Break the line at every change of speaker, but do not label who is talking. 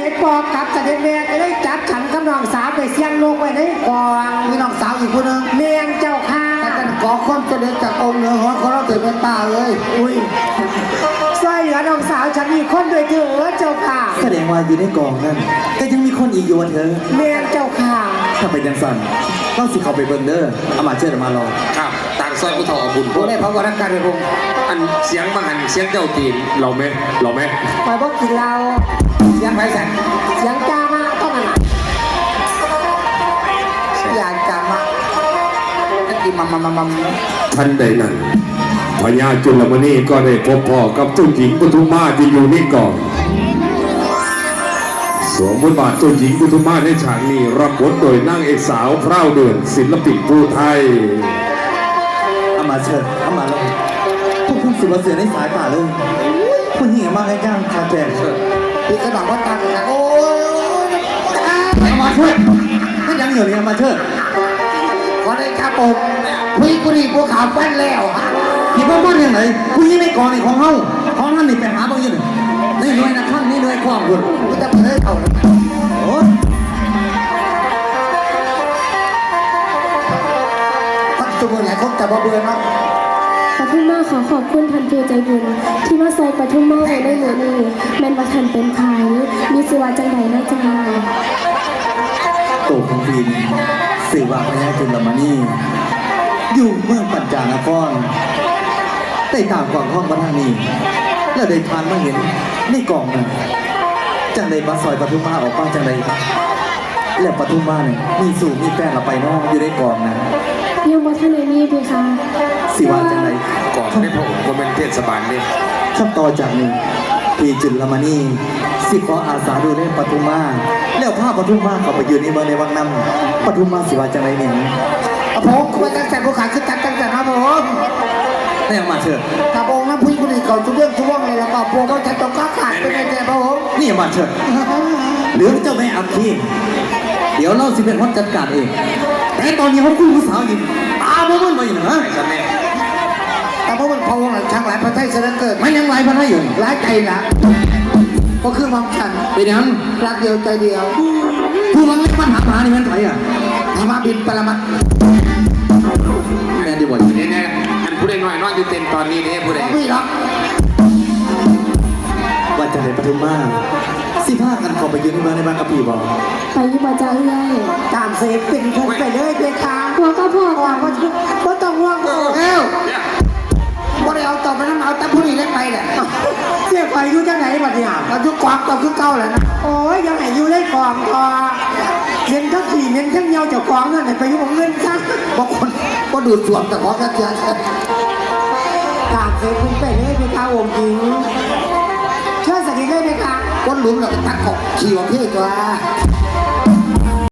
ไอ้ปอกกับเสด็จแม่ก็ได้จับฉันกับน้องสาวไปเสี่ยงลงไว้ในกองมีน้องสาวอีกคนนึงเมียงเจ้าค่ะแต่กันขอความเจริญจากองค์เหนือหัวของเราเถิดเป็นป่าเลยอุ้ยสร้อยเหลือน้องสาวฉันมีคนด้วยเถอะเจ้าค่ะ
แสดงว่าอยู่ในกองนั่นก็ยังมีคนอีกอยู่เธอ
เมียงเจ้าค่ะ
ถ้าไปยังสั่นต้องสิเขาไปเบิ่งเด้อเอามาเชิญมารอ
ครับต่างซอยผู้เฒ่าเอาบุญพวก
ได้พระวรการในพง
อันเสียงบางอันเสียงเจ้าตีนเราไหม
ไปบอกกินเรา
เสียงไผ่แสน
เสียงจ้ามากต้องอะไรอยากจ้ามากกินมัม
ทันใดนั้นพญาจุลมณีก็ได้พบพ่อกับเจ้าหญิงปทุมมาที่อยู่ในกองสวมบทบาทเจ้าหญิงปทุมมาในฉากนี้รับบทโดยนางเอกสาวพร้าวเดือนศิลปินผู้ไทย
เอามาเชิญเอามาแล้วพวกคุณสุรเสียในสายป่าเลยคุณหญิงมากให้ย่างคาแจก
พี่กระดองว่าตากันโอ้ย
เอามาเชิญไม่ยังเหนื่อยเอามาเชิญ
ขอได้ครับผมพี่กุนีพวกขาวปั้นแล้ว
พี่ว่าบ้านยังไงคุณยิ่งในกองในของเฮาของท่านนี่ไปหาบ้างยังนี่หน่วยนะท่านนี่หน่วยความคุณ
กูจะเพิ่มเอา
โอ้
พันจุบุญไหนคงจะบ่เบื่อเนาะ
ปทุมมาขอขอบคุณท่านผู้ใจบุญที่มาใส่ปทุมมาไว้ในมือนี้แม่นว่าท่านเป็นไผมีสิว่าจังใดนะจ๊ะ
โตของพีนสื่อว่าพญาจุลมณีอยู่เมืองปัญจานครได้ตามกองห้องพระธานีแล้วได้ทานมาเห็นในกองนั้นจังใดมาซอยปทุมมาออกมาจังใดแล้วปทุมมาเนี่ยมีสู่มีแฟนเราไปน้องอยู่ในกองนั้น
ยังบ่ทันได้มีเพคะ
สิว่าจังใด
ก่อนในพระองค์ก็เป็นเทศบาลนี่
ขั้นต่อจากนี้พี่จุลมณีสิขออาสาดูแลปทุมมาแล้วพาปทุมมาเข้าไปยืนในเมืองในวังน้ำปทุมมาสิว่าจังใดเนี่ย
ผมควรตั้งแต่ผู้ขาคือตั้งแต่ครับผม
ได้ออกมาเถอะ
ถ้าองค์นั้นผู้กุนีเขาทุกเรื่องทุกว่างเลยแล้วก็พวกเขาจะต้องขาดไปในใจครับผม
นี่มาเถอะเหลือเจ้าแม่อัคคีเดี๋ยวเราสิเป็นคนจัดการเองแต่ตอนนี้เขาคุยผู้สาวอยู่ตาบ่มันมาอยู่นะ
แต่เพราะมันพอวงหลังช่างหลายประเทศเสด็จเกิด
มันยังหลายพันให้อยู่
หลายใจนะก็คือความฉัน
เป็นยัง
รักเดียวใจเดียว
ผู้มันไม่ปัญหานี่มันไผอ่ะ
ธรรมบินปรมัต
แม่ดีบ่
นี่แน่อันผู้ใดน้อยนอนอยู่เต็นตอนนี้นี่ผู้ใด
พี่รัก
ว่าจะได้ปทุมมาสิพากันเข้าไปยืนในเมืองในบ้านกับพี่บอก
ไปอยู่บ่จ้าเอ้ย
ตามเสพเป็นคนไปเลยเพคะ
พวกก็พวก
ว่าก็ต้องห่วงเอ้าบ่ได้เอาต่อไปน้ำเอาแต่ผู้นี้เล่นไปแหละเสียไปอยู่จังไหนบัดเนี่ยเราทุกความต่อคือเก่าแหละนะโอ้ยยังไงอยู่ได้กองพอเงินทั้งขี่เงินทั้งเงาจากกองเงินไปอยู่ของเงินซะบางคนก็ดูดส่วนแต่ของกันเยอะตามเสพเป็นไปเลยเพคะองค์หญิงเชื่อสักทีได้ไหมคะก้นหลุมเราก็ตัดขอบขี่ของพี่ตัว